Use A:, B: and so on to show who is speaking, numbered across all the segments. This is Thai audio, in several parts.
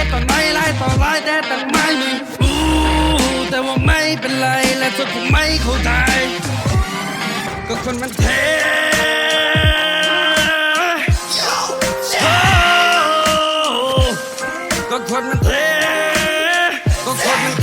A: ตอนไหนไล่ต่อไล่แต่ตั้งไม่มีแต่ว่าไม่เป็นไรและทุกคนไม่เข้าใจก็คนมันเทก็คนมันเทก็คนมันเท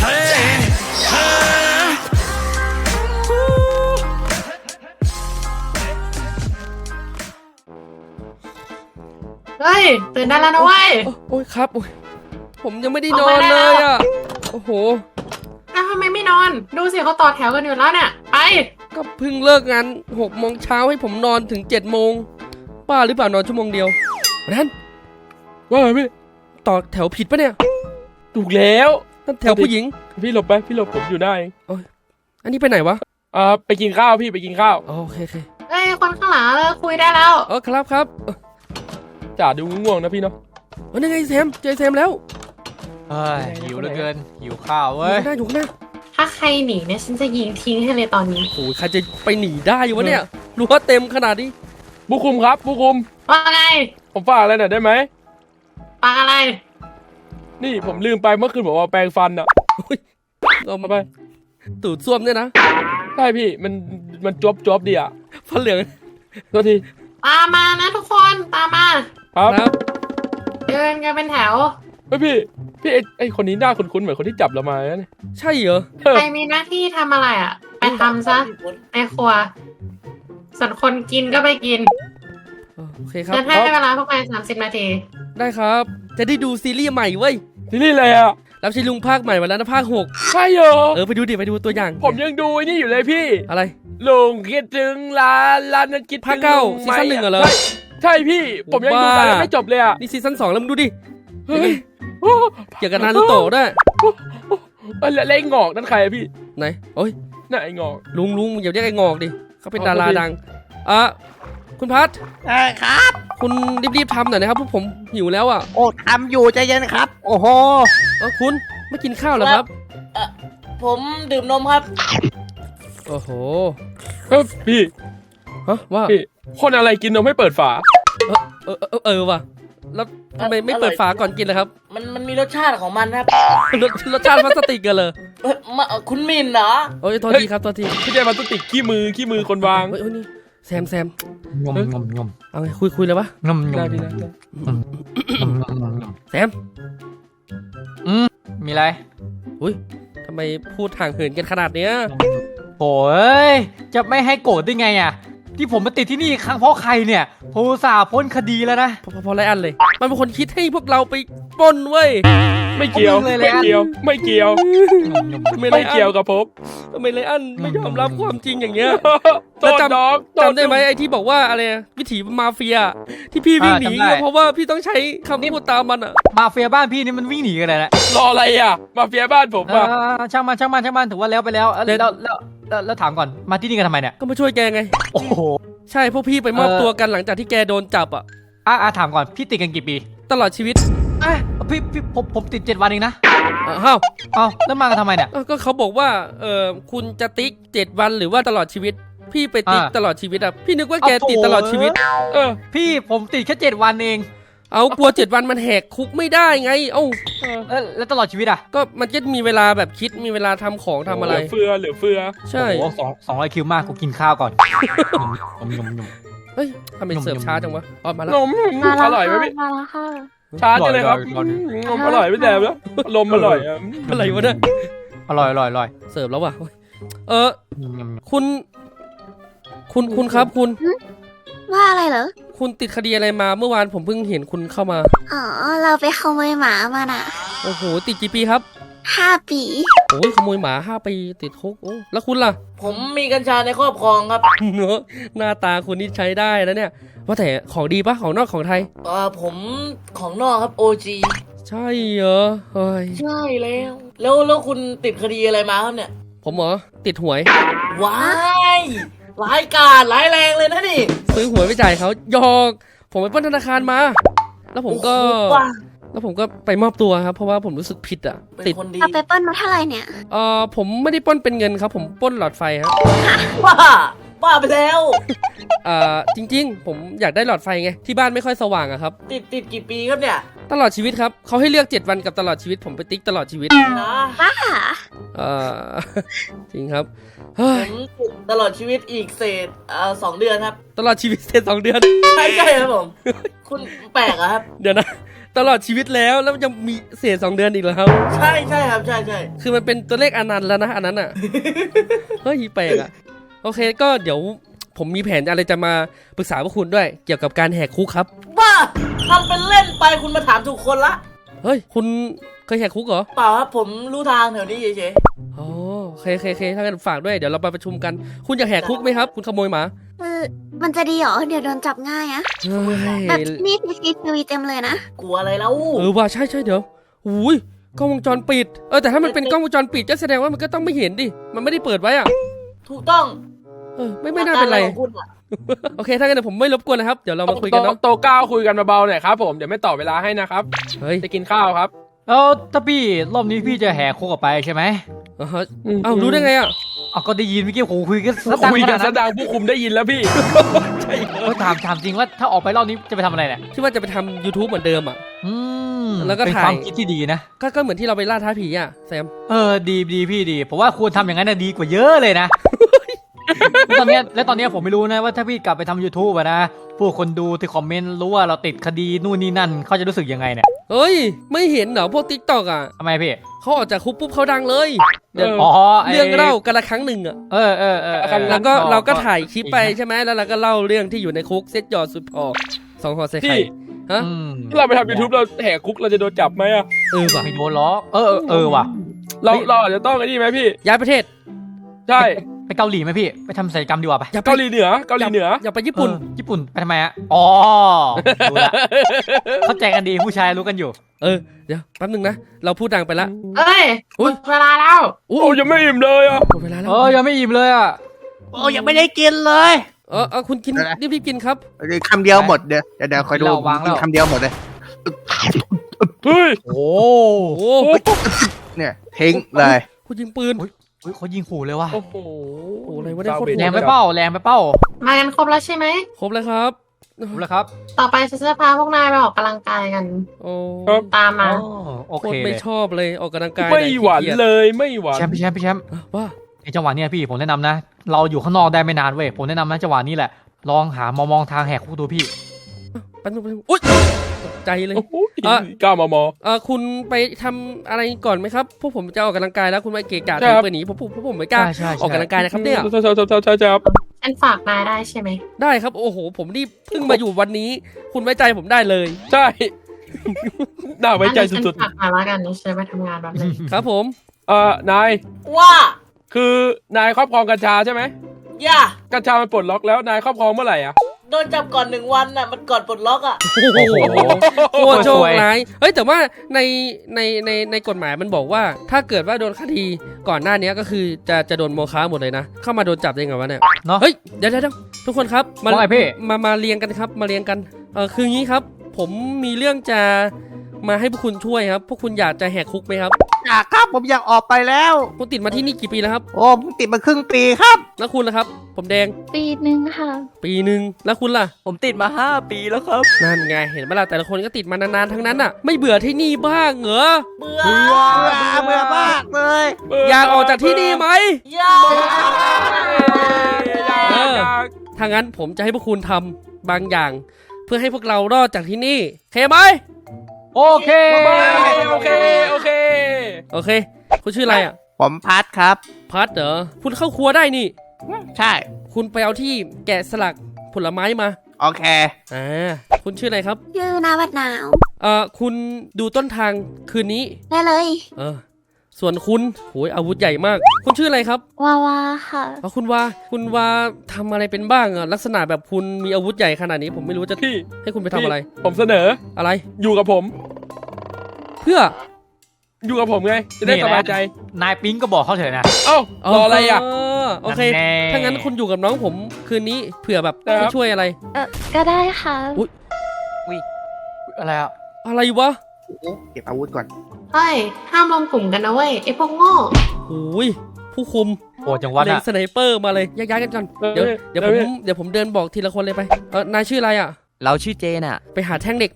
B: เฮ้ยตื่นได้แล้วนะเว้ย
C: โอ้ยครับโอ้ยผมยังไม่ได้นอนเลยอ่ะโอ้โห
B: อ้าวทำไมไม่นอนดูสิเขาต่อแถวกันอยู่แล้วเนี่ยไป
C: ก็เพิ่งเลิกงาน6 โมงเช้าให้ผมนอนถึง7 โมงบ้าหรือเปล่านอนชั่วโมงเดียวนั่นว่าไงพี่ต่อแถวผิดปะเนี่ย
D: ถูกแล้ว
C: นั่นแถวผู้หญิง
D: พี่หลบไปพี่หลบผมอยู่ได้
C: อันนี้ไปไหนวะ
D: ไปกินข้าวพี่ไปกินข้าว
C: โอเคโอเค
B: เฮ้ยคนข้างหลังเลิกคุยได้แล้ว
C: ครับ
D: จ่าดูง่วงนะพี่เนาะ
C: นั่นไงแซมเจอแซมแล้ว
E: เฮ้ยหิวเหลือเกินหิวข้าว
C: อยู่
E: เว้ย
C: ข้างหน้าอยู่ข้างหน้า
B: ถ้าใครหนีเนี่ยฉันจะยิงทิ้งให้เลยตอนนี้
C: โอ้ยใครจะไปหนีได้วะเนี่ยรั้วเต็มขนาดนี้
D: ผู้คุมครับผู้คุม
B: ว่าไง
D: ผมฝากอะไรหน่อยได้ไหม
B: ปังอะไร
D: นี่ผมลืมไปเมื่อคืนบอกว่าแปรงฟันอ่ะ
C: เอามา
D: ไป
C: ตูดส้วมเนี่ยนะ
D: ใช่พี่มันจวบดีอ่ะ
C: ฟันเหลือง
D: โทษที
B: ตามมานะทุกคนตามมา
D: ครับ
C: ครับ
B: เดินกันเป็นแถว
D: เฮ้ยพี่ไอ้คนนี้หน้าคุ้นๆเหมือนคนที่จับเรามาเนี่ย
C: ใช่เหรอ
B: ใครมีหน้าที่ทำอะไรอ่ะ ไปทำซะในครัวส่วนคนกินก็ไปกิน
C: โอเคครับ
B: ฉันให้เวลาพวกนาย30 นาที
C: ได้ครับ จะได้ดูซีรีส์ใหม่เว้ย
D: ซีรีส์อะไรอ่ะ
C: รับใช้ลุงภาคใหม่มาแล้วนะภาค
D: ใช่เหรอ
C: 6ไปดูดิไปดูตัวอย่าง
D: ผมยังดูไอ้นี่อยู่เลยพี่
C: อะไร
D: ลุงคิดถึงร้านนั้นคิดถึง
C: ภาคเก้า
D: ลุงไหม
C: ซีซั่น 1เหรอ
D: ใช่พี่ ผมยังดู
C: บ้า
D: ตอนไม่จบเลยอ่ะ
C: นี่ซีซั่น2แล้วมึงดูดิ
D: เฮ้ย
C: เกี่ยวกับนารูโตะด้วย
D: แล้วไอ้งอกนั่นใครอะพี่
C: ไหนโอ้ย
D: น่ะไอ้งอก
C: ลุงอย่าเรียกไอ้งอกดิเขาเป็น
D: อ๋อ
C: ดารา
D: โอเค
C: ดังคุณพัท
F: ครับ
C: คุณรีบๆทำหน่อยนะครับพวกผมหิวแล้วอ่ะ
F: โอ้ทำอยู่ใจเย็นครับ โอ้โห
C: คุณไม่กินข้าวเหรอครับ
F: ผมดื่มนมครับ
C: โอ้โห
D: เฮ้ยพี่
C: ฮะว่า
D: พี่ คนอะไรกินนมไม่เปิดฝา
C: ว่ะแล้วทำไมไม่เปิดฝาก่อนกินเลยครับ
F: มันมีรสชาติของมันครับ
C: รสชาติพลาสติกกันเลย
F: คุณมินเหรอ
C: โอ้ยโทษทีครับโทษที
D: พี่ได้มาตุติกขี้มือคนวาง
C: เฮ้ยนี่แซม
E: งมงมงม
C: เอาไงคุยเลยวะ
E: งมง
D: ได้
E: ม
D: พี่ได้
C: แซม
E: มีอะไร
C: อุ้ยทำไมพูดห่างเหินกันขนาดเนี้ย
E: โอ้ยจะไม่ให้โกรธได้ไงอ่ะที่ผมมาติดที่นี่ครั้งเพราะใครเนี่ยผมอุตส่าห์พ้นคดีแล้วนะ
C: พอไรอันเลย มันเป็นคนคิดให้พวกเราไปปล้นเว้ย
D: ไม่เกี่ยว
E: เอามือเลย
D: ไม่เกี่ยว ไม่เกี่ยว ไม่เกี่ยวกับผม
C: ทำไมไรอันไม่ยอมรับความจริงอย่างเงี้ย
D: โทษน้อง
C: จำได้ไหมไอ้ที่บอกว่าอะไรวิถีมาเฟีย ที่พี่วิ่งหนีก็เพราะว่าพี่ต้องใช้คำพูดตามมันอ่ะ
E: มาเฟียบ้านพี่นี่มันวิ่งหนีกันเลยนะ
D: รออะไรอ่ะ มาเฟียบ้านผมอ่ะ
E: ช่างมันถือว่าแล้วไปแล้วแล้วถามก่อนมาที่นี่กันทำไมเนี่ย
C: ก็มาช่วยแกไง
E: โอ้โห
C: ใช่พวกพี่ไปมอบตัวกันหลังจากที่แกโดนจับอ่ะ
E: ถามก่อนพี่ติดกันกี่ปี
C: ตลอดชีวิต
E: พี่ผมติด7 วันเองนะ
C: อ้าว
E: เอาแล้วมากันทำไมเนี่ย
C: ก็เขาบอกว่าคุณจะติ๊ก7 วันหรือว่าตลอดชีวิต พี่ไปติ๊กตลอดชีวิตอ่ะพี่นึกว่าแกติดตลอดชีวิต
E: พี่ผมติดแค่7 วันเอง
C: เอากลัว7 วันมันแหกคุกไม่ได้ไงเอ้า
E: แล้วตลอดชีวิตอ่ะ
C: ก็มันจะมีเวลาแบบคิดมีเวลาทำของทำอะไร
D: เหลือเฟือ
C: ใช่
E: โอ้โห200 คิวมากกูกินข้าวก่อนนม
C: เฮ้ยทำไมเสิร์ฟช้าจังวะอ๋อมาแล้ว
D: นมอร่อยไหมพี่
B: มาแล้วค่ะ
D: ชาจังเลยครับนมอร่อยไม่แดมแล้วลมอร่อยอ่ะ
C: อะไรวะเนี่ย
E: อร่อย
C: เสิร์ฟแล้วว่ะคุณครับคุณ
G: ว่าอะไรเหรอ
C: คุณติดคดีอะไรมาเมื่อวานผมเพิ่งเห็นคุณเข้ามา
G: อ๋อ เราไปขโมยหมามาน่ะ
C: โอ้โหติดกี่ปีครับ
G: 5 ปี
C: โอ้ยขโมยหมา5 ปีติดคุกโอ้แล้วคุณล่ะ
F: ผมมีกัญชาในครอบครองครับ
C: เนอะหน้าตาคุณนี่ใช้ได้นะเนี่ยว่าแต่ของดีปะของนอกของไทย
F: ผมของนอกครับ OG
C: ใช่เหรอเฮ้ย
F: ใช่แล้วคุณติดคดีอะไรมาครับเนี่ย
C: ผมเหรอติดหวย
F: ว้ายร้ายกาจร้ายแรงเลยนะนี่
C: ซื้อหวยไปจ่ายเขาหยอก ผมไปปล้นธนาคารมา แล้วผมก็
F: โอ้โหว่ะ
C: แล้วผมก็ไปมอบตัวครับ เพราะว่าผมรู้สึกผิดอ่ะ
F: เป็น
C: ติด
F: คนดี
G: เอาไปปล้นมาเท่าไหร่เนี่ย
C: ผมไม่ได้ปล้นเป็นเงินครับ ผมปล้นหลอดไฟครับ
F: บ้าไปแล้ว
C: จริงๆ ผมอยากได้หลอดไฟไงที่บ้านไม่ค่อยสว่างอะครับ
F: ติดกี่ปีครับเนี่ย
C: ตลอดชีวิตครับเขาให้เลือก7 วันกับตลอดชีวิตผมไปติ๊กตลอดชีวิต
F: นะ
G: บ้า
C: เออ จริงครับเฮ้
F: ผ
C: ย
F: มติดตลอดชีวิตอีกเศษ2 เดือนครับ
C: ตลอดชีวิตเสร็จ2 เดือน
F: ใช่ครับผม คุณแปลกอะครับ
C: เดี๋ยวนะตลอดชีวิตแล้วมันยังมีเศษ2 เดือนอีกเหรอครับ
F: ใช่ครับใช่
C: คือมันเป็นตัวเลขอนันต์แล้วนะอันนั้นอ่ะ เฮ้ยแปลกอ่ะโอเคก็เดี๋ยวผมมีแผนอะไรจะมาปรึกษาพวกคุณด้วยเกี่ยวกับการแหกคุกครับ
F: บ้าทำเป็นเล่นไปคุณมาถามถูกคนละ
C: เฮ้ยคุณเคยแหกคุกเหรอ
F: เปล่าครับผมรู้ทางแถวนี้เฉย
C: อ๋อโอเคถ้างั้นฝากด้วยเดี๋ยวเราไปประชุมกัน คุณอยากแหกคุกไหมครับ คุณขโมยหมา
G: มันจะดีเหรอ เดี๋ยวโดนจับง่ายอะ
C: เฮ้ย
G: แบบนี่CCTVเต็มเลยนะ
F: ๆกลัวอะไรแล้ว
C: ว่าใช่เดี๋ยวอุ้ยกล้องวงจรปิดแต่ถ้ามันเป็นกล้องวงจรปิดก็แสดงว่ามันก็ต้องไม่เห็นดิมันไม่ได้เปิดไว้อ่ะ
F: ถูกต้อง
C: ไม่น่าเป็นไร
F: อของคุณอะ
C: โอเคถ้างั้นเดี๋ยวผมไม่รบกวนนะครับเดี๋ยวเรามาคุยกันเนาะ
D: โตก้าวคุยกันเบาๆหน่อยครับผมเดี๋ยวไม่ต่อเวลาให้นะครับ
C: เฮ้ย
D: จะกินข้าวครับ
E: แล้วถ้าพี่รอบนี้พี่จะแหกคุกออกไปใช่ไหม
C: เอ้ารู้ได้ไงอ่ะ
E: เอาก็ได้ยินเมื่อกี้โหคุยกันซะดัง
D: คุย
E: ข
D: กั
E: นาด
D: นซะ
E: นั้น
D: ดังผู้คุมได้ยินแล้วพี่
E: ถามจริงว่าถ้าออกไปรอบนี้จะไปทำอะไรเนี่ย
C: ที่ว่าจะไปทำ YouTube เหมือนเดิมอ่ะ
E: อืม
C: แล้วก็
E: เป็น
C: ถ่าย
E: ความคิดที่ดีนะ
C: ก็เหมือนที่เราไปล่าท้าผีอ่ะแซม
E: ดีพี่ดีผมว่าควรทำอย่างนั้นนะดีกว่าเยอะเลยนะ แล้วตอนเนี้ยผมไม่รู้นะว่าถ้าพี่กลับไปทำ YouTube อะนะพวกคนดูที่คอมเมนต์รู้ว่าเราติดคดีนู่นนี่นั่นเขาจะรู้สึกยังไงเนี่ย
C: เฮ้ยไม่เห็นเหรอพวก TikTok อ่ะ
E: ทำไมพี่
C: เขาออกจากคุกปุ๊บเขาดังเลยเดี๋ยว
E: อ๋อ
C: เรื่องเล่ากันละครั้งหนึ่งอ่ะ แล้วก็เราก็ถ่ายคลิปไปใช่ไหมแล้วเราก็เล่าเรื่องที่อยู่ในคุกเซ็ตยอดสุดพอ2 ห่อใส่ไข่
D: พี่
C: ฮะ
D: ถ้าเราไปทำ YouTube เราแหกคุกเราจะโดนจับไหมอะ
C: ว่ะ
E: ไม่โดนล้อว่ะ
D: เราอาจจะต้องไอ้นี่ไหมพี่
C: ย้ายประเทศ
D: ใช่
E: ไปเกาหลีไหมพี่ไปทำศัลยกรรมดีกว่าไป
C: อย่าไป
D: เกาหลีเหนือเกาหลีเหนือ
C: อย่าไปญี่ปุ่น
E: ญี่ปุ่นไปทำไมอะอ๋อรู้ละเข้าใจกันดีผู้ชายรู้กันอยู่
C: เดี๋ยวแป๊บนึงนะเราพูดดังไปละ
B: เอ้ย
C: อุ๊ย
B: เวลาแล้ว
D: โอ้ยังไม่อิ่มเลยอ่ะ
C: หมดเวลาแล้ว
E: ยังไม่อิ่มเลยอะ
F: โอ้ยังไม่ได้กินเลย
C: คุณกินรีบๆกินครับ
H: คำเดียวหมดเดี๋ยวคอยดูกินคำเดียวหมดเลย
D: เฮ้ย
E: โอ้
C: โอ้
H: เนี่ยทิ้งเลย
C: คุณยิงปืน
E: เขายิงขู่เลยว่ะ
D: โอ้โห
C: โอ้อะไรวะเนี่ยโคตร
E: แรงไปเป้าแรงไปเป้า
B: มากันครบแล้วใช่ไหม
C: ครบแล้วครับ
E: รู้แล้วครับ
B: ต่อไปฉันจะพาพวกนายไปออกกำลังกายกัน
C: โอ้
B: ตามมา
E: โอ
C: โค
E: เค
C: ตร
E: เล
C: ไม่
E: ย
C: ชอบเลยออกกำลังกาย
D: ไม่หวาน
C: ขี้กีจ
D: เลยไม่หวาน
E: พี่แชมป์
C: ว่า
E: ในจังหวะเนี้ยพี่ผมแนะนำนะ เราอยู่ข้างนอกได้ไม่นานเว้ยผมแนะนำนะจังหวะนี้แหละลองหามองทางแหกคุกดูพี่
C: แป๊บนึงอุ๊ยตกใจเลย
D: โอ้โห9 มม.
C: คุณไปทำอะไรก่อนไหมครับพวกผมจะออกกำลังกายแล้วคุณมาเกะกะ
D: ใช่ครับ
C: เปิดหนีผมไม่กล้า
E: ใช่
C: ออกกำลังกายนะครับเนี่ย
D: ใช่ครับ
B: ฉันฝากนายได้ใช่ไหม
C: ได้ครับโอ้โหผมนี่เพิ่งมาอยู่วันนี้ คุณไว้ใจผมได้เลย
D: ใช่ น่าไว้ใจ
B: ฉัน
D: สุด
B: ฝากนายแล้วกันฉันไปทำงานแบบนึง
C: ครับผม
D: ๆนาย
F: ว่า
D: คือนายครอบครองกัญชาใช่ไหม
F: อย่า
D: กัญชามันปลดล็อกแล้วนายครอบครองเมื่อไหร่อ่ะ
F: โดนจับก่อน1 วันน่ะมันก่อนปลดล็อกอ่ะ
C: โอ้โหโคตรโชคร้ายเฮ้ยแต่ว่าในกฎหมายมันบอกว่า ถ้าเกิดว่าโดนคดีก่อนหน้านี้ก็คือจะโดนโมฆะหมดเลยนะเข้ามาโดนจับได้ไงวะเนี่ย
E: เนาะ
C: เฮ้ยเดี๋ยวทุกคนครับ
E: ว่าไงพี่
C: มาเรียงกันครับมาเรียงกันคืองี้ครับ ผมมีเรื่องจะมาให้พวกคุณช่วยครับพวกคุณอยากจะแหกคุกไหมครับ
H: อยากครับผมอยากออกไปแล้ว
C: คุณติดมาที่นี่กี่ปีแล้วครับ
H: โอ้ผมติดมาครึ่งปีครับ
C: แล้วคุณล่ะครับ ผมแดง
G: ปีหนึ่งค่ะ
C: ปีหนึ่งแล้วคุณล่ะ
F: ผมติดมา5 ปีแล้วครับ
C: นั่นไงเห็นไหมล่ะแต่ละคนก็ติดมานานๆทั้งนั้นอ่ะ ไม่เบื่อที่นี่บ้างเหรอ
F: เบื่อ
H: เบื่อมากเลย
C: อยากออกจากที่นี่ไหม
F: อย่า
C: ถ้างั้นผมจะให้พวกคุณทำบางอย่าง เพื่อให้พวกเรารอดจากที่นี่โอเคไหม
E: โอเค
D: โอเค
C: โอเค คุณชื่ออะไรอ่ะ
H: ผมพัดครับ
C: พัดเหรอคุณเข้าครัวได้นี่
H: ใช่
C: คุณไปเอาที่แกะสลักผลไม้มา
H: โอเค
C: คุณชื่ออะไรครับ
G: ชื่อนาวัดหนาว
C: คุณดูต้นทางคืนนี้
G: ได้เลย
C: ส่วนคุณโหยอาวุธใหญ่มาก คุณชื่ออะไรครับ
G: วาวาค่ะ
C: คุณว่าทำอะไรเป็นบ้างลักษณะแบบคุณมีอาวุธใหญ่ขนาดนี้ ผมไม่รู้จะ
D: พี่
C: ให้คุณไปทำอะไร
D: ผมเสนอ
C: อะไร
D: อยู่กับผม
C: เพื่อ
D: อยู่กับผมไง จะได้สบายใจ
E: นายปิ๊งก็บอกเขาเถอะนะ
D: เอ้ารออะไรอ่ะ
C: โอเค
E: นั่นแน่
C: ถ้างั้นคุณอยู่กับน้องผมคืนนี้เผื่อแบบ
D: ครับ
C: ให้ช่วยอะไร
G: ก็ได้ค่ะ
E: อะไรอ่ะ
C: อะไรวะ
H: เก็บอาวุธก่อน
B: เฮ้ยห้ามรวมกลุ่มกันนะเว้ยไอ้พวกโง่
C: โอ้ยผู้คุม
E: โหดจังวะ
C: เล็ง
E: น่ะ
C: สไนเปอร์มาเลยย้ายๆกันก่อนเดี๋ยวผมเดินบอกทีละคนเลยไปนายชื่ออะไรอ่ะ
I: เราชื่อเจนอะ
C: ไปหาแท่งเหล็กมา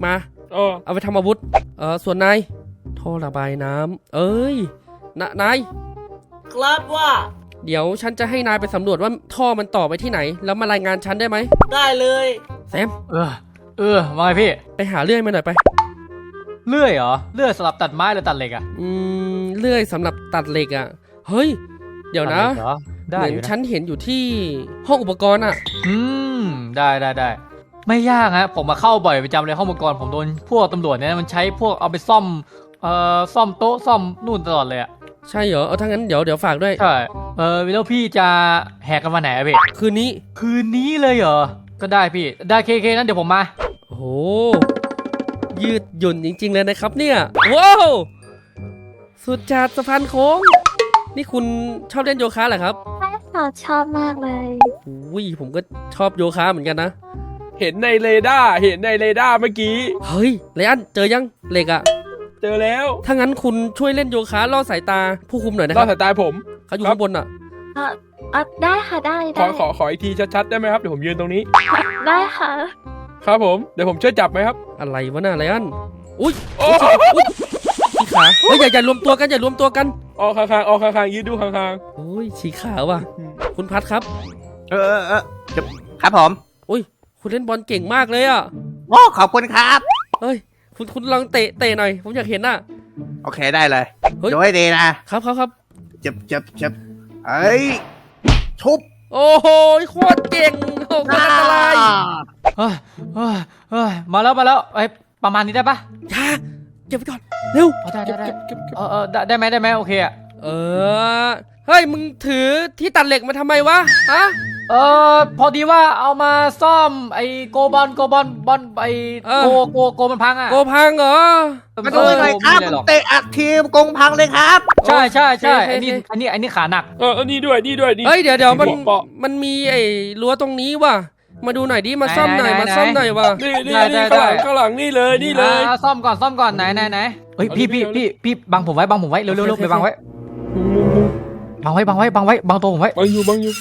C: เอาไปทำอาวุธส่วนนายท่อระบายน้ำเอ้ยนาย
F: ครับว่า
C: เดี๋ยวฉันจะให้นายไปสำรวจว่าท่อมันต่อไปที่ไหน แล้วมารายงานฉันได้ไหม
F: ได้เลย
C: แซม
E: ว่าไงพี่
C: ไปหาเลื่อยมาหน่อยไป
E: เลื่อยเหรอเลื่อยสำหรับตัดไม้หรือตัดเหล็กอะ
C: เลื่อยสำหรับตัดเหล็กอ่ะเฮ้ยเดี๋ยวนะ
E: ตัดเหล็กเหรอได้
C: เหมือน
E: อยู่นะ
C: ฉันเห็นอยู่ที่ห้องอุปกรณ์อ่ะ
E: ได้ไม่ยากฮะผมมาเข้าบ่อยประจำเลยห้องอุปกรณ์ผมโดนพวกตำรวจเนี่ยมันใช้พวกเอาไปซ่อมซ่อมโต๊ะซ่อมนู่นตลอดเลยอะ
C: ใช่เหรอถ้างั้นเดี๋ยวฝากด้วย
E: ใช่แล้วพี่จะแหกกันวันไหนอะพี่
C: คืนนี้
E: คืนนี้เลยเหรอก็ได้พี่ได้เคนั้นเดี๋ยวผมมา
C: โอ้โหยืดหยุ่นจริงๆเลยนะครับเนี่ยว้าวสุดจัดสะพานโค้งนี่คุณชอบเล่นโยคะเหรอครับ
G: ใช่ค่ะชอบมากเลย
C: อุ้ยผมก็ชอบโยคะเหมือนกันนะ
D: เห็นในเรดาร์เมื่อกี้
C: เฮ้ยไรอันเจอยังเหล็กอะ
D: เจอแล้ว
C: ถ้างั้นคุณช่วยเล่นโยคะล่อสายตาผู้คุมหน่อยนะ
D: ร
C: ค
D: อ
C: รั
D: ด
C: บ
D: สายตาผม
C: เขาอยู่ข้างบนอะ
G: ได้ค่ะได้
D: ขออีกทีชัดๆได้ไหมครับเดี๋ยวผมยืนตรงนี้
G: ได้ค่ะ
D: ครับผมเดี๋ยวผมช่วยจับไหมครับ
C: อะไรวะน่ะไรอันอุ้ย
D: โอ้
C: อุ้ยฉีกขาเฮ้ยอย่ารวมตัวกันอย่ารวมตัวกัน
D: ออกข้างๆยืดดูข้าง
C: โอ้ยฉีกขาว่ะคุณพัดครับ
H: ครับผม
C: อุ้ยคุณเล่นบอลเก่งมากเลยอะ
H: โอ้ขอบคุณครับ
C: เฮ้ยคุณลองเตะหน่อยผมอยากเห็นน่ะ
H: โอเคได้เลย
C: เฮ้ย
H: ดูให้ดีนะครับ เจ็บเอ้ยชุบ
C: โอ้โหโคตรเก่งโอ้โหอันตราย
E: เฮ้ยมาแล้วไอ้ประมาณนี้ได้ปะ
C: อย่าเก็บไปก่อนเร็ว
E: ได้ได้ไหมโอเคอะ
C: เฮ้ยมึงถือที่ตัดเหล็กมาทำไมวะฮะ
E: พอดีว่าเอามาซ่อมไอ้โกบอลไอ้โกมันพังอะ
C: โกพังเหรอ
H: มาดูหน่อยครับ
E: ไม่เลยหรอก
H: เตะอัดทีมกงพังเลยครับ
E: ใช่
C: โอเค
E: อันนี้ขาหนัก
D: อันนี้ด้วยนี่
C: เฮ้ยเดี๋ยวมัน
D: เปาะ
C: มันมีไอ้รั้วตรงนี้ว่ะมาดูหน่อยดิมาซ่อมหน่อย
E: ไหน
C: มาซ่อมหน่อยว่ะ
D: นี่
E: ได้
D: ข้างหลังนี่เลย
E: ซ่อมก่อนไหนเฮ้ยพี่บังผมไว้เร็วไปบังไว้บังตัวผมไว้
D: บังอยู่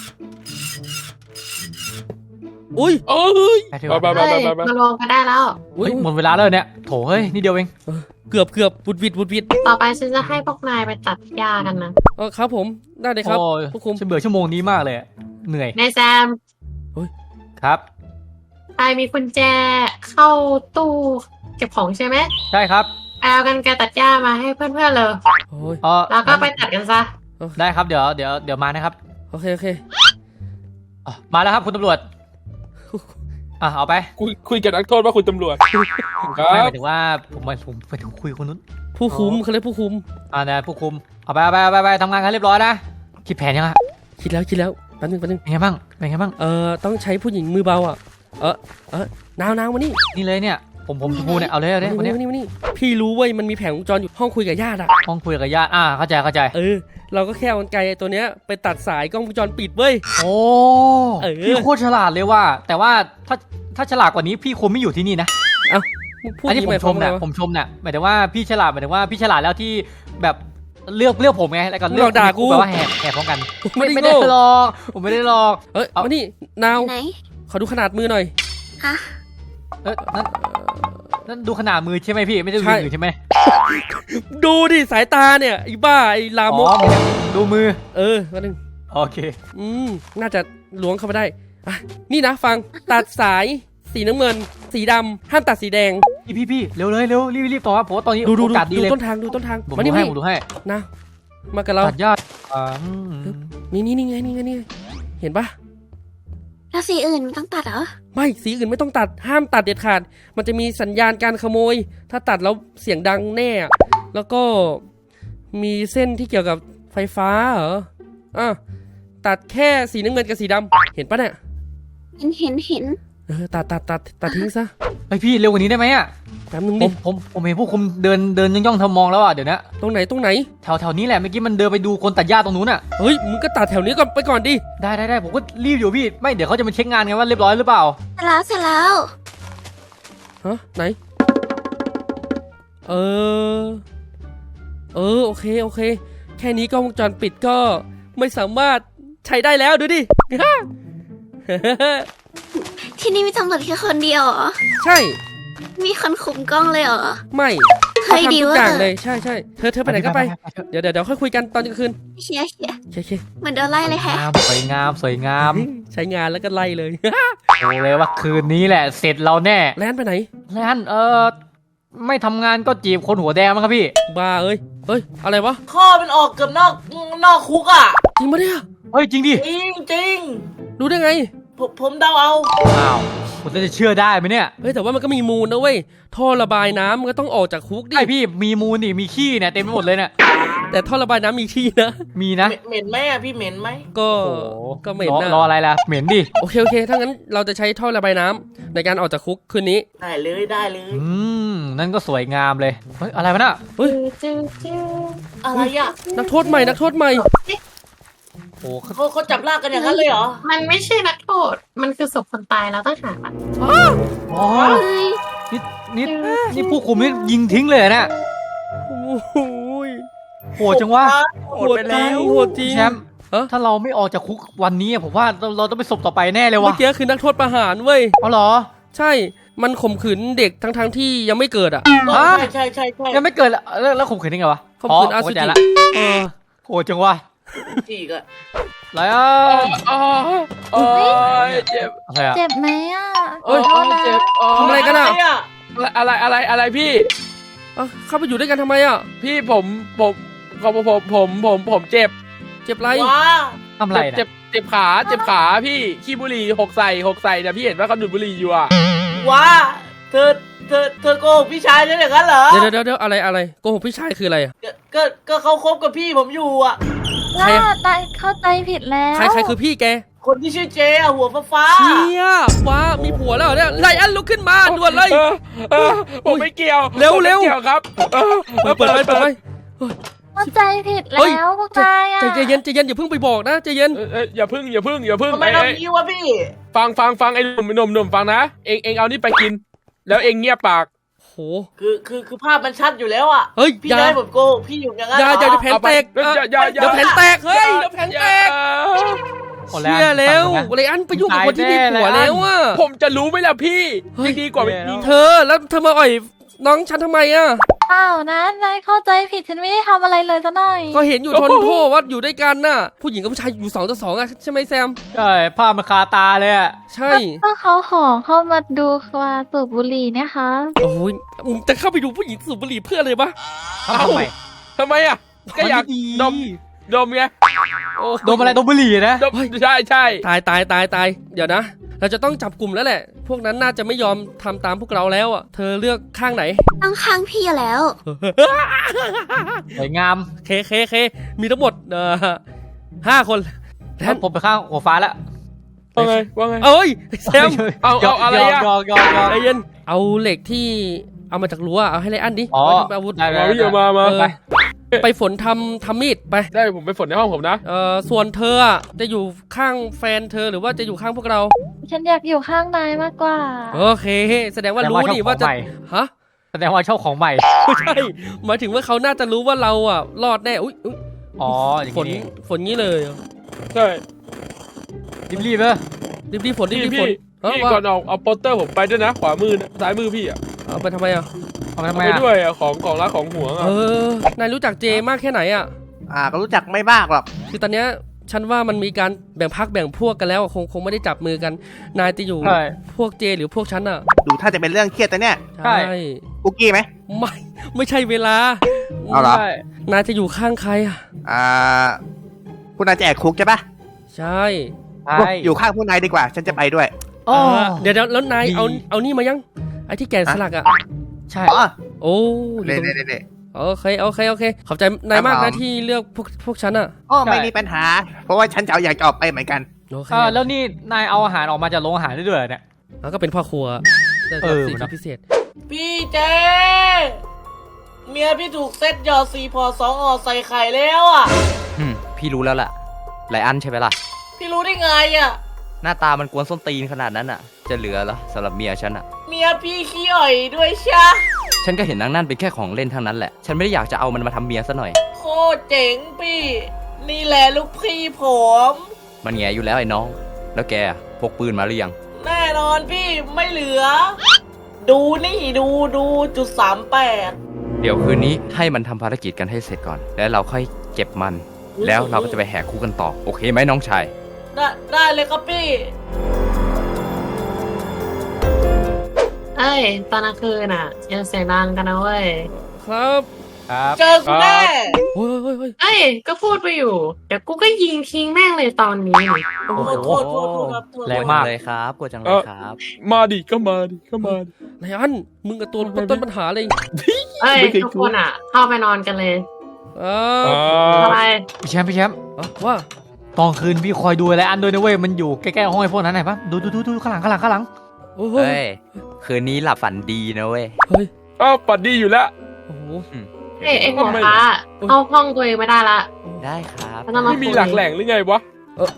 C: อุ้ย
D: เอ้ย
E: ไปเถ
D: ไป
E: อะ
D: ไป
B: เฮ้ยมารวมกันได้แล้ว
C: อุ้ย
E: หมดเวลาแล้วเนี่ยโถเฮ้ยนี่เดียวเอง
C: เกือบวุดวิด
B: ต่อไปฉันจะให้พวกนายไปตัดหญ้ากันนะ
C: ครับผมได้เลยครับ
E: โอ้ย
C: ผู้คุม
E: ฉันเบื่อชั่วโมงนี้มากเลยเหนื่อย
B: นายแซม
E: ครับ
B: ใครมีกุญแจเข้าตู้เก็บของใช่ไหม
E: ใช่ครับ
B: เอากันไกรตัดหญ้ามาให้เพื่อนๆเลย
C: โอ้ย
B: แล้วก็ไปตัดกันซะ
E: ได้ครับเดี๋ยวมานะครับ
C: โอเค
E: มาแล้วครับคุณตำรวจเอาไป
D: คุยกับนักโทษว่าคุณตำรวจค
E: ไม่
D: รั
E: ห
D: บ
E: มายถึงว่าผมไปถึงคุยกับคนนู้น
C: ผู้คุมเขาเรียกผู้คุม
E: นะผู้คุมเอาไปทำงานกันเรียบร้อยนะคิดแผนยังอะ
C: คิดแล้วแป๊บนึง
E: เป็นไงบ้าง
C: ต้องใช้ผู้หญิงมือเบาอ่ะนาวมานี่
E: นี่เลยเนี่ยผมชมพูเนี่ยเอาเลยคนเนี้ย
C: มานี่พี่รู้เว้ยมันมีแผงวงจรอยู่ห้องคุยกับญาติอ่ะ
E: ห้องคุยกับญาติเข้าใจ
C: เราก็แค่เอากรรไกรตัวเนี้ยไปตัดสายกล้องวงจรปิดเว้ย
E: โอ้
C: พี่
E: พี่โคตรฉลาดเลยว่า แต่ว่าถ้าฉลาดกว่านี้พี่คงไม่อยู่ที่นี่นะ
C: มึงพูด
E: อันนี้
C: ย่าง
E: ผม
C: หาย
E: ช
C: ความ
E: นะ
C: ว่า
E: ผมชมนะหมายถึงว่าพี่ฉลาดหมายถึงว่าพี่ฉลาดแล้วที่แบบเลือกผมไงแล้วก็เลือกแปลว่าแหกพร้อมกัน
C: ไม่
E: ไม่
C: ได้
E: ได้
C: โง่
E: หรอกผมไม่ได้หรอก
C: มานี่นาว
G: ไหน
C: ขอดูขนาดมือหน่อย
G: ฮะ
E: นั่นดูขนาดมือใช่ไหไหมพี่ไม่ได้ดูมือใช่ไหม
C: ดูดิสายตาเนี่ยไอ้บ้าไอ้ลามก
E: ดูมือ
C: มาหนึ่ง
E: โอเค
C: น่าจะล้วงเข้าไปได้นี่นะฟังตัดสายสีน้ำเงินสีดำห้ามตัดสีแดง
E: พี่เร็วรีบต่อครับผมว่าตอนนี้
C: ดู
E: โอกาสดีเลย
C: ต้นทาง
E: ผม
C: มานี่
E: ดูให้
C: นะมากับเรา
E: ตัดยอด
C: นี่ไงเห็นปะ
G: แล้วสีอื่นต้องตัดเหรอ
C: ไม่สีอื่นไม่ต้องตัดห้ามตัดเด็ดขาดมันจะมีสัญญาณการขโมย ถ้าตัดแล้วเสียงดังแน่แล้วก็มีเส้นที่เกี่ยวกับไฟฟ้าเหรอตัดแค่สีน้ำเงินกับสีดำเห็นปะเนี่ย
G: เห็น
C: ตัดทิ้งซะ
E: ไอพี่เร็วกว่านี้ได้ไหมอ่ะ
C: แป๊บนึงดิ
E: ผมเห็นพวกคุมเดินย่องๆทำมองแล้วอ่ะเดี๋ยวนะ
C: ตรงไหน
E: แถวนี้แหละเมื่อกี้มันเดินไปดูคนตัดหญ้าตรงนู้นอ่ะ
C: เฮ้ยมึงก็ตัดแถวนี้ก่อนไปก่อนดิ
E: ได้ผมก็รีบอยู่พี่ไม่เดี๋ยวเขาจะมาเช็คงานไงว่าเรียบร้อยหรือเปล่า
G: เสร็จแล้ว
C: ไหนโอเคแค่นี้กล้องวงจรปิดก็ไม่สามารถใช้ได้แล้วดูดิ
G: ที่นี่มีตำรวจแค่คนเดียวเหรอ
C: ใช่
G: มีคนคุมกล้องเลยเหรอ
C: ไม่
G: เฮ้ย
C: ทำ
G: ดี
C: ทุก
G: เวอร์
C: อย่างเลยใช่ใช่เธอไปไหนก็ไปเดี๋ยวค่อยคุยกันตอนกลางคืน
G: เชียร์
C: โอเค
G: เหมือนโดนไล่เลยแฮะ
E: สวยงามสวยงาม
C: ใช้งานแล้วก็ไล่เลย
E: บอกเลยว่าคืนนี้แหละเสร็จเราแน่
C: แลนไปไหน
E: แล้วไม่ทำงานก็จีบคนหัวแดงมั้งครับพี่
C: บ้าเอ้ยอะไรวะ
F: ข้อมันออกเกือบนอกคุกอ่ะ
C: จริงปะเนี่ย
E: เฮ้ยจริงดิ
F: จริง
C: รู้ได้ไง
F: ผมเดาเอา
E: อ้าวผมจะเชื่อได้ไหมเนี่ย
C: เฮ้ยแต่ว่ามันก็มีมูลนะเว้ยท่อระบายน้ำมันก็ต้องออกจากคุกดิ
E: ไอพี่มีมูลนี่มีขี้เนี่ยเต็มไปหมดเลยเนี่ย
C: แต่ท่อระบายน้ำมีที่นะ
E: มีนะ
F: เหม็นไหมอ่ะพี่เหม็นไหม
C: ก็
E: โอ้โห
C: ก็เหม็นนะ
E: รออะไรล่ะเหม็นดิ
C: โอเคถ้างั้นเราจะใช้ท่อระบายน้ำในการออกจากคุกคืนนี้
F: ได้เลยได้เลย
E: นั่นก็สวยงามเลยเฮ้ยอะไรวะน่ะ
C: เฮ้ย
F: อะไรอ่ะ
C: นักโทษใหม่
E: โอ้
F: เขาจับลากกันอย่างนั้นเลยเหรอ
B: มันไม่ใช่นักโทษ มันคือศพคนตายแล้วต้องหามัน
E: อ๋อนี่ผู้คุมนี่ยิงทิ้งเลยเหรอเนี่ย
C: โอ้โหย
E: โหดจังวะ
C: โหดจริงโหดจริง
E: แชมป์
C: เอ้อ
E: ถ้าเราไม่ออกจากคุกวันนี้ผมว่าเราต้องไปศพต่อไปแน่เลย
C: เมื่
E: วะ
C: อกี้คือนักโทษประหารเว้ย
E: เอาเหรอ
C: ใช่มันข่มขืนเด็กทั้งที่ยังไม่เกิดอ่ะ
F: ใช่
E: ยังไม่เกิดแล้วข่มขืนได้ไงวะ
C: ข่มขืนอาสุจิ
E: เข้าใจละโหดจังวะ
F: จีกอะ
E: ไรอ่ะ
D: โอ้ยเจ็บ
E: อะไรอ่ะ
G: เจ็บไหมอ่ะ
C: เอ้ย
G: ขอโทษนะ
D: เจ็บ
C: ทำอะไรกันอะ
D: อะไรพี่
C: เข้าไปอยู่ด้วยกันทำไมอ่ะ
D: พี่ผมเจ็บ
C: เจ็บไร
F: ว้า
E: ทำอะไรนะ
D: เจ็บขาพี่ขี้บุหรี่หกใส่เนี่ยพี่เห็นว่าเขาดูดบุหรี่อยู่อ่ะ
F: ว้าเธอโกหกพี่ชายฉันอย่างนั้นเหรอ
C: เดี๋ยวอะไรโกหกพี่ชายคืออะไรอ่ะ
F: ก็เขาคบกับพี่ผมอยู่อ่ะ
C: ใครอะ
G: เข้าใจผิดแล้ว
C: ใครคือพี่แก
F: คนที่ชื่อเจอะหัวฟ้า
C: เชี่ยว้ามีผัวแล้วเหรอเนี่ยไลอันลุกขึ้นมาด่วนเลย
D: ผมไม่เกี่ยว
C: เร็ว
D: ผมไม่เกี่ยวครับ
C: เปิดไป
G: เข้าใจผิดแล้วพวกนายอ่ะ
C: ใจเย็นอย่าเพิ่งไปบอกนะใจเย็น
D: อย่าพึ่ง
F: ทำไมทำนี้วะพี่
D: ฟังไอ้หนุ่มฟังนะเองเอานี่ไปกิน แล้วเองเงียบปาก
C: โห
F: คือภาพมันชัดอยู่แล้วอ่ะ
C: เฮ้ย
F: พี่
C: อย่า
F: ได้ผมโกหกพี่อยู่อย่างนั้น
C: อย่า
F: เหรอ
C: แผ่นแตก
D: อย่า
C: เดี๋ยวแผ่นแตกเฮ้ยเดี๋ยวแผ่นแตก
E: โอ้
C: เชี่ยแล้วไลอันไปยุ่งกับคนที่มีผัวแล้วอ่ะ
D: ผมจะรู้ไหมล่ะพี่ยังดีกว่าไม่มี
C: เธอแล้วเธอมาอ่อยน้องฉันทำไมอ่ะ
G: เปล่านะนายเข้าใจผิดฉันไม่ได้ทำอะไรเลยซะหน่อย
C: ก็เห็นอยู่ทนโทษว่าอยู่ด้วยกันน่ะ ผู้หญิงกับผู้ชายอยู่2 ต่อ 2อ่ะใช่ไหมแซม
E: ใช่ภาพมันคาตาเลยอ่ะ
C: ใช่
G: ก็เขาขอเข้ามาดูว่าสูบบุหรี่เนี่ยค่ะ
C: โอ้ยจะเข้าไปดูผู้หญิงสูบบุหรี่เพื่ออะไรวะ
E: ทำไม
D: ทำไมอ่ะก็อยากดมไง
E: ดมอะไรดมบุหรี่นะ
D: ดมใช่
C: ตายเดี๋ยวนะ เราจะต้องจับกลุ่มแล้วแหละ พวกนั้นน่าจะไม่ยอมทำตามพวกเราแล้วอ่ะเธอเลือกข้างไหน
G: ต้องข้างพี่แล้ว
E: สวยงาม
C: เคมีทั้งหมด5 คน
E: แล้วผมไปข้างหัวฟ้าแล้ว
D: ว่าไง
C: เอ้ยแซม
D: เอาอะไรอะ
E: ยอก
C: ใจเย็นเอาเหล็กที่เอามาจากรั้วเอาให้ไรอันดิ
E: อ๋อ
C: ไว้ทำอาวุธ
E: ได้
D: มาพี่มา
C: เออไปฝนทำมีดไป
D: ได้ผมไปฝนในห้องผมนะ
C: ส่วนเธออะจะอยู่ข้างแฟนเธอหรือว่าจะอยู่ข้างพวกเรา
G: ฉันอยากอยู่ข้างนายมากกว่า
C: โอเค แสดงว่ารู้นี่ว่าจะฮะ
E: แสดงว่าชอบของใหม่
C: ไม่ใช่หมายถึงว่าเขาน่าจะรู้ว่าเราอ่ะรอดแน่อุ๊ย
E: อ๋ออย่าง
C: ฝน
E: นี้
C: ฝนงี้เลย
D: ใช่
E: รีบๆเลย
C: รีบฝน
D: พี่
C: รีบฝน
D: พี่ก่อนเอาโปสเตอร์ผมไปด้วยนะขวามือซ้ายมือพี่อ่ะ
C: เอาไปทำไมอ่ะ
E: เอาไปทำ
D: เอา
E: ไม
D: ไป
E: อ่ะ
D: ด้วยอ่ะของรักของห่วง
C: เอ
D: อ่ะ
C: อนายรู้จักเจมากแค่ไหนอ่ะ
H: ก็รู้จักไม่มากหรอก
C: คือตอนเนี้ยฉันว่ามันมีการแบ่งพรรคแบ่งพวกกันแล้วอะคงไม่ได้จับมือกัน นายจะอยู่
E: ใช่
C: พวกเจหรือพวกฉันอ่ะ
H: ดูถ้าจะเป็นเรื่องเครียดแต่เนี่ย
E: ใช่
H: กุ๊กกี้ไหม
C: ไม่ใช่เวลา
H: เอาเหรอ
E: ใช่
C: นายจะอยู่ข้างใครอ่ะ
H: คุณนายจะแอบคุกใช่ปะ
C: ใช่
E: ใช่
H: อยู่ข้างผู้นายดีกว่า ฉันจะไปด้วย
E: โอ้
C: เดี๋ยวแล้วนาย
E: ดี
C: เอานี่มายังไอ้ที่แกะสลักอ่ะ
E: ใช่
H: อ๋อ
C: โอ้อยู่
H: เน่
C: ตรง
H: เน่เน่
C: โอเคขอบใจนายมาก
H: ครั
C: นะ
H: บผม
C: ที่เลือกพวกฉันอ่ะ
H: ไม่มีปัญหา เพราะว่าฉันจะอยากจะออกไปเหมือนกัน
C: โอเค
E: แล้วนี่นายเอาอาหารออกมาจากโรงอาหารได้ด้วยเหรอเนี่ย
C: แล้วก็เป็นพ่อครัวได้
E: เออ
C: สิท
E: มัน
C: ธิพิเศษ
F: พี่เจ เมียพี่ถูกเซ็ตหยอด4 พอ 2 ออใส่ไข่แล้วอ่ะ
I: พี่รู้แล้วล่ะไลอันใช่ไหมล่ะ
F: พี่รู้ได้ไงอ่ะ
I: หน้าตามันกวนส้นตีนขนาดนั้นอ่ะ จะเหลือเหรอสำหรับเมียฉันอ่ะ
F: เมียพี่ขี้อ่อยด้วยชะ
I: ฉันก็เห็นนางนั่นเป็นแค่ของเล่นทั้งนั้นแหละ ฉันไม่ได้อยากจะเอามันมาทำเมียซะหน่อย
F: โคตรเจ๋งพี่ นี่แหละลูกพี่ผม
I: มันแง่อยู่แล้วไอ้น้อง แล้วแกอะพกปืนมาหรือยัง
F: แน่นอนพี่ไม่เหลือดูนี่ดูจุด38
I: เดี๋ยวคืนนี้ให้มันทำภารกิจกันให้เสร็จก่อน แล้วเราค่อยเก็บมัน แล้วเราก็จะไปแหกคุกกันต่อ โอเคไหมน้องชาย
F: ได้เลยครับพี่
B: เอ้ยตอนกลางคืนอ่ะอย่าเสียงดังกันนะเว้ย
C: ครับ
E: ครับ
F: เจอกูแน่
C: โอ้ยเฮ้ยเฮ้ย
B: เอ้ยก็พูดไปอยู่ เดี๋ยวกูก็ยิงทิ้งแม่งเลยตอนนี้นี่
E: โอ้โห
F: โทษครับโทษ
E: แรงมาก
I: เลยครับกลัวจังเลยครับ
D: มาดิก็มาดิก็มาดิ
C: ไลอันมึงกับตัวต้นปัญหาเลย
B: เอ้ย
D: ไม่เคย
B: ทุกคนอ่ะ เข้าไปนอนกันเลย
C: เอ
D: อ่
C: อา
B: อะไร
E: พี่แชมป์
C: ว่า
E: ตอนคืนพี่คอยดูอะไรอันด้วยนะเว้ยมันอยู่ใกล้ๆห้องไอ้พวกนั้นไหนปะดูข้างหลัง
C: โอ้โห
I: เฮ้ย คืนนี้หลับฝันดีนะเว้ย
C: เฮ้ย
D: อ้าวปัดดีอยู่แล้ว
C: โอ้โห
B: เอ้ยไอ้หัวฟ้าเข้าห้องตัวเองไม่ได้ละ
I: ได้ครับ
B: ไม่ต้องมา
D: ไม่มีหลักแหล่งหรือไงวะ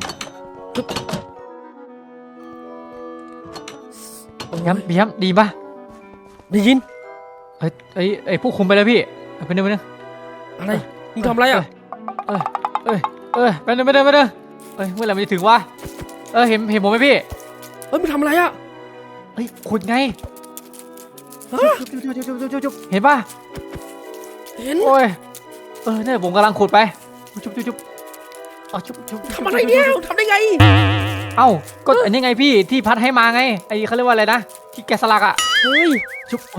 E: พี่แชมป์ดีปะ
C: ได้ยิน
E: ไอ้พวกคุมไปเลยพี่ไปนึง
C: อะไรมึงทำอะไรอ่ะ
E: ไปนึงเมื่อไหร่มันจะถึงวะเห็นผมไหมพี่
C: เฮ้ยมึงทำอะไรอ่ะ
E: เฮ้ยขุดไง
C: ฮะ
E: จุ๊บเห็นปะ
C: เห็น
E: โอ้ยเนี่ยผมกำลังขุดไปจุ๊บ
C: ทำอะไรเนี่ยทำได้ไง
E: เอ้าก็อันนี้ไงพี่ที่พัดให้มาไงไอ้เขาเรียกว่าอะไรนะที่แกะสลักอ่ะ
C: เฮ้ย
E: จุ๊บ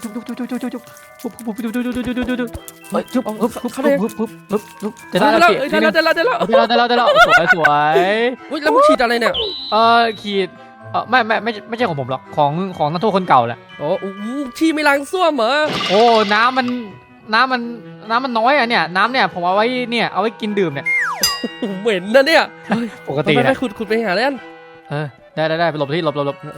E: จะได้
C: ได้
E: แล้ว
C: แล้ว
E: สวย
C: เฮ้ยแล้วมึงฉีดอะไรเนี่ย
E: ขีดไม่ใช่ของผมหรอกของนักโทษคนเก่าแหละ
C: อ๋อโอ้โหฉีดไม่ล้างส้วมเหรอ
E: โอ้น้ำมันน้อยอ่ะเนี่ยน้ำเนี่ยผมเอาไว้เนี่ยเอาไว้กินดื่มเนี่ย
C: เหม็นนะเนี่ย
E: ปกติ
C: ไป
E: นะ
C: ขุดไปหาแล้ว
E: ได้ไปหลบที่หลบ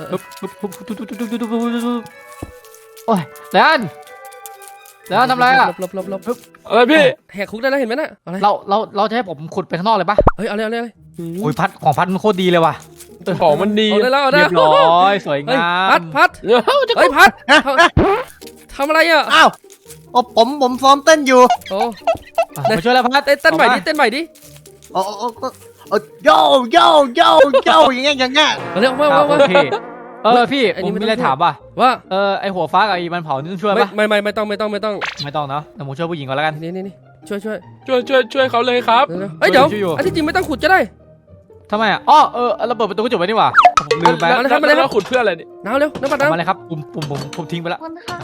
E: โอ้ยแล้วทำอะไรอ่ะ
C: หลบ
D: อะไรพี่
C: แหกคุกได้แล้วเห็นไหมน่ะอะไร
E: เราจะให้ผมขุดไปข้างนอกเลยปะ
C: เฮ้ยเอาเลย
E: โอ้ยของพัดมันโคตรดีเลยว่ะ
D: ของมันดี
C: เอาเลยแล้ว
E: เรียบร้อยสวย
C: เฮ้ย
E: งา
C: พั
E: ม
C: ดเฮ้ยพัดทำอะไรอ่ะ
H: อ้าวผมซ้อมเต้นอยู่
C: โอ้
E: มาช่วยแล้วพัด
C: เต้นใหม่ดิ
H: โอ้โยอย่างเงี้ย
C: เอาเร็วมา
E: โอเคพี่
C: อัน
E: ผ
C: นี้
E: ม
C: ไม่
E: มี
C: ต้อง
E: อะไรถามป่ะ
C: ว่า
E: ไอหัวฟ้ากับไอมันเผานี่ต้องช่วยปะ
C: ไม่ต้อง
E: ไม่ต้องเนาะแต่ผมช่วยผู้หญิงก่อนแล้วกัน
C: นี่ช่วย
D: ช่วยเขาเลยครับ
C: เฮ้ยเดี๋ยว
E: ช่วยอยู่
C: อันที่จริงไม่ต้องขุดก็ได้
E: ทำไมอ่ะเราเปิดประตูกระจกไว้นี่หว่าผมลืมไป
D: แล้วเราขุดเพื่ออะไรเนี่ย
C: น้ำเร็วน้ำปัด
E: เอามา
C: น้ำ
E: เลยครับผมทิ้งไปแล้ว
G: คุณค่ะ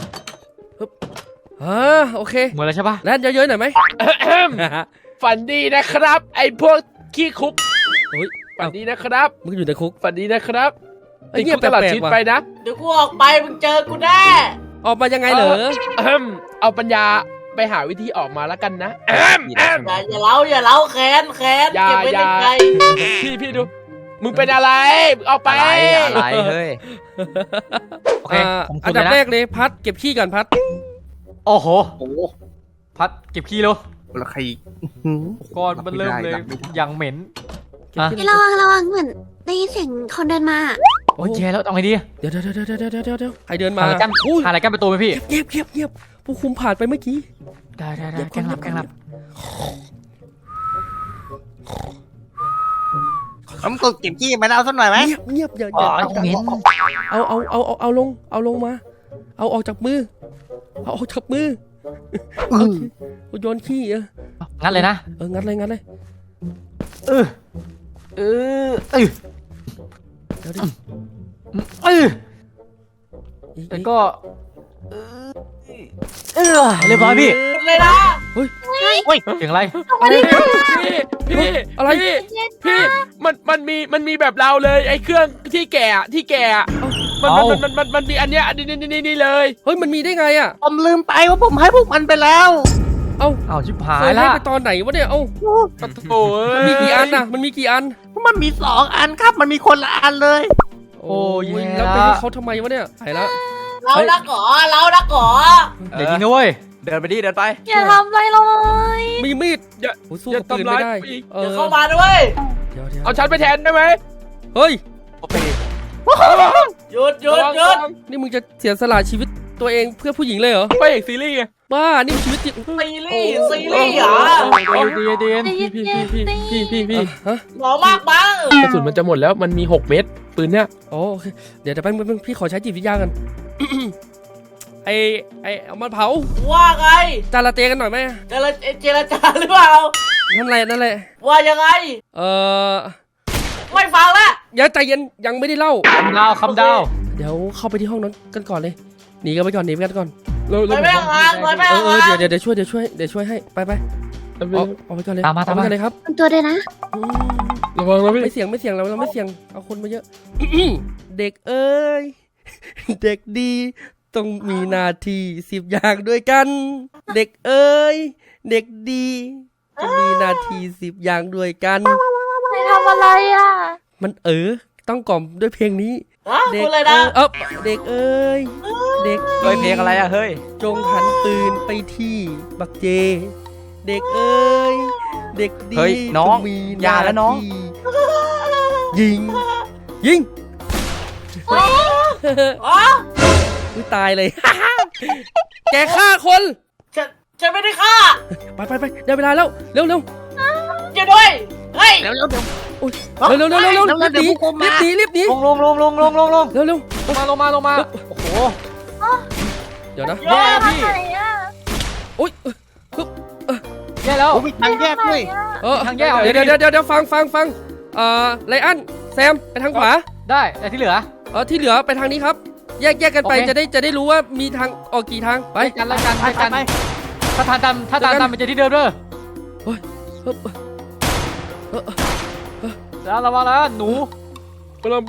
C: โอเค
E: หมดแล้วใช่ปะ
C: แล้วเยอะๆหน่อยไหม
D: ฝันดีนะครับ ไอ้พวกขี้คุก
C: เฮ้ย
D: ฝันดีนะครับ
C: มึงอยู่ในคุก
D: ฝันดีนะครับ
C: ไอ้เงียบ
D: ติดคุกตลอด
C: แปลกๆ
D: ชีวิต
C: ว่ะ
D: ไปนะ
F: เดี๋ยวกูออกไปมึงเจอกูแน่
C: ออกมายังไงเหรอ
D: เอาปัญญาไปหาวิธีออกมาแล้วกันนะ
F: อย่าเล้าแค้น
D: อย่า
F: เก็บไว้ในใจ
D: พี่ดู มึงเป็นอะไรออกไป
I: อะไรเฮ้ย
E: โอเคผม
C: อั
E: ขุ
C: น
E: ด
C: ดับ
E: เลย
C: แร
E: นะ
C: กเลยพัดเก็บขี้ก่อนพัด
E: โอ้โห
H: โอ้
E: พัดเก็บขี้แล้ว
H: แล้วใคร
E: ก้อนมันเริ่มเลยอย่างเหม็น
G: พี่ระวังเหมือนได้ยินเสียงคนเดินมา
E: โอ้ยแย่แล้วเอาไงดี
C: เดี๋ยวใครเดินมา
E: หาอะไรกั้น
C: อุ้ย
E: หาอะไรกั้นประตูไหมพี่
C: เงียบผู้คุมผ่านไปเมื่อกี้
E: ได้แกล้งหลับ
H: ผมก็เก็บขี้มาแล้วสักหน่อยไหม
C: เงียบอย่า
E: อ๋อเหม็น
C: เอาลงมา เอาออกจากมือเอาโยนขี้
E: งั้นเลยนะ
C: งัดเลย
E: เดี๋ยวดิ แล้วก็เรียบร้อยพี่
F: เลยนะ
E: เสียงอะไร
D: พี่
C: อะไร
D: พี่มันมีแบบเราเลย ไอ้เครื่องที่แก่มันมีอันเนี้ยนี่เลย
C: เฮ้ยมันมีได้ไงอ่ะ
H: ผมลืมไปว่าผมให้พวกมันไปแล้ว
E: เอาชิบหา
C: เค
E: ย
C: ยให้
E: ละ
C: ไปตอนไหนวะเนี่ย
D: โอ้ย
C: มีกี่อันน่ะมันมีกี่อัน
H: มันมี2 อันครับ มันมีคนละอันเลย
E: โอ้ย
C: แล้วไปให้เขาทำไมวะเนี่ยหายแล้ว
F: เรานักหรอ
E: เดี๋ยวยิงนะเว้ย
I: เดินไปดิเดินไป
G: อย่าทำอะไรเลย
C: มีมีด
D: อย่า
C: โอ้สู้
D: อย่า
C: กับปืน
D: ทำร้า
C: ไม่
D: ย
C: ได้
D: อีก
F: เดี๋ยวเข้ามาด้วย
C: เดี๋ยว
D: เอาฉันไปแทนได้ไหม
C: เฮ้ย
F: หยุด
C: นี่มึงจะเสียสละชีวิตตัวเองเพื่อผู้หญิงเลยเหรอ
D: ไปเอกซีรีส์ไง
C: บ้านี่มันชีวิตจริง
F: ซีรีส์เหรอ
E: ดี
D: พี่
C: ฮะ
F: หมอมากบ้าง
D: กระสุนมันจะหมดแล้วมันมี6 เม็ดปืนเนี้ย
C: โอเคเดี๋ยวแป๊บนึงพี่ขอใช้จิตวิทยากันไอเอามาเผา
F: ว่าไง
C: จาระเตกันหน่อยไหม
F: เจรจาหรือเปล่า
C: นั่นแหละนั่นแหละ
F: ว่ายังไง ไม่ฟังละ
C: อย่าใจเย็นยังไม่ได้เล่า
E: คำดาว
C: เดี๋ยวเข้าไปที่ห้องนั้นกันก่อนเลยหนีกันไปก่อนหนีกันก่อน
F: ไปแม่งงานไปแม่ง
C: เออง
F: าน
C: เดี๋ยวช่วยให้ไปเอาไปก่อนเลย
E: ตามมา
C: เอไปก่อนเลยครับ
G: ตัวด้วยนะ
D: ระวังนะพี่
C: ไม่เสี่ยงเราไม่เสี่ยงเอาคนมาเยอะ เด็กเอ้ย เด็กดีต้องมีหน้าที่10 อย่างด้วยกัน เด็กเอ้ยเด็กดีต้องมีหน้าที่10 อย่างด้วยกัน
G: ไม่ทำอะไรอ่ะ
C: มันต้องกล่อมด้วยเพลงนี้ เด็
F: คุณเลยนะ
C: เด็กเอ้ยเด็ก
E: เฮ้ยเพลงอะไรอะเฮ้ย
C: จงหันปืนไปที่บักเจ เด็กเอ้ยเด็กดี
I: เฮ้ยน้อง
C: มี
I: อย่าแล้วน้อง
C: ยิง ยิง
F: อ๋อ
C: อุ๊ยตายเลย แกฆ่าคน
F: ฉันไม่ได้ฆ่า
C: ไปได้เวลาแล้วเร็ว
F: อย่าด้วยเฮ้ย
C: เร็วรีบหนี
E: ลง
C: เร็ว
E: ลงมาโอ้โห
C: เดี๋ยวนะ
E: แย่แล้วพี่
G: ไหนอ่ะ
C: อุ้ย
E: แย่แล้ว
H: โอ้ยทางแยกด้วย
E: ทางแยกเอา
C: เดี๋ยวฟังไลอ้อนแซมไปทางขวา
E: ได้แต่ที่เหลือ
C: ที่เหลือไปทางนี้ครับ แยกกันไป
E: โอเค
C: จะได้รู้ว่ามีทางออกกี่ทางไป
E: ไปกันถ้าทานตามมันจะที่เดิมเด้อ
C: ฮึบ
E: แล้วระวังแล้วหนู
D: กำลังไป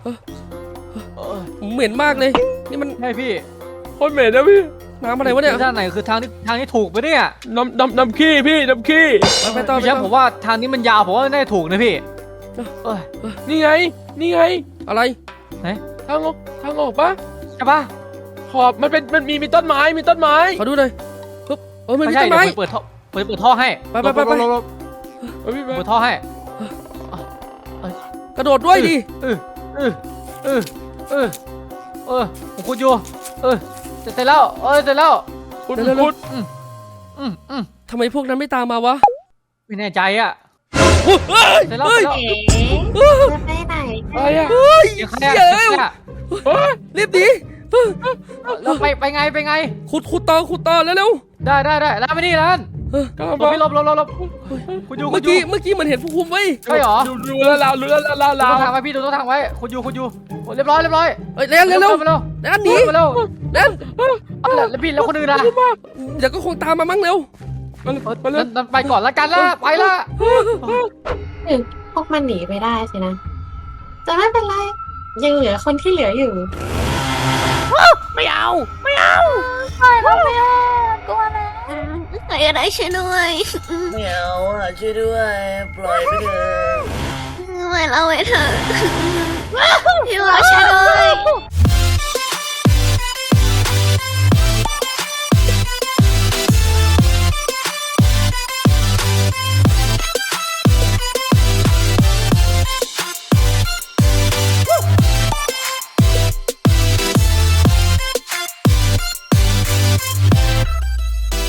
C: เหม็นมากเลย นี่มัน
E: ให้พี่
D: โคตรเหม็นนะพี่
C: น้ำอะไรวะเนี่ย
E: ด้านไหนคือทางที่ถูกไปเนี่ย
D: น้ำขี้พี่น้ำขี้
C: ไปต่อ
E: พี่แชมป์ผมว่าทางนี้มันยาวผมว่าน่าจะถูกนะพี่เอ้ย
D: นี่ไง
C: อะไร
D: ทางออกปะ
E: ใช่ปะ
D: ขอบมันมีต้นไม้
C: ขอดูหน่อยฮึบมันมี
E: ไม่ใช่
C: ต้นไม้
E: เดี๋ยวผมเปิดท่อให้
C: ไป
D: เฮ้ยพี่
E: เปิดท่อให้
C: กระโดดด้วยดิ
E: ผมคุดอยู่เสร็จแล้วเสร็จแล้ว
D: คุณ
C: ทำไมพวกนั้นไม่ตามมาวะ
E: ไม่แน่ใจอ่ะ เสร็จแล้ว
B: เอ๋จะไปไหน
D: อะไรอ่ะ
E: เดี๋ยวใครอ่ะ
C: รีบหนี
E: แล้วไปไง
C: ขุดต่อเร็ว
E: ได้ร้านไม่นี่ร้าน
D: กำลัง
E: หลบพี่หลบคุณอยู่
C: เมื่อกี้มันเห็นพวกคุมไว้
E: ใช่หรอ
D: ดูแล้วเรา
E: ดูต้นทางไว้พี่ดูต้นทางไว้คุณอยู่เรียบร้อย
C: เฮ้ยเร็ว
E: มาเร็ว
C: แล้วหนี
E: มาเร็ว
C: แล้ว
E: แล้วพี่แล้วคนอื่นล่ะ
C: เดี๋ยวก็คงตามมามั้งเร็ว
E: นั่นไปก่อนละกันละไปละ
B: พวกมันหนีไปได้สินะจะไม่เป็นไรยังเหลือคนที่เหลืออยู่
G: ปล่อยเราไปอ่ะกลัวนะใครอะไรช่วยด้วย
F: ไม่เอาช่วยด้วย ปล่อยไปเถอะ
G: ปล่อยเราไปเถอะ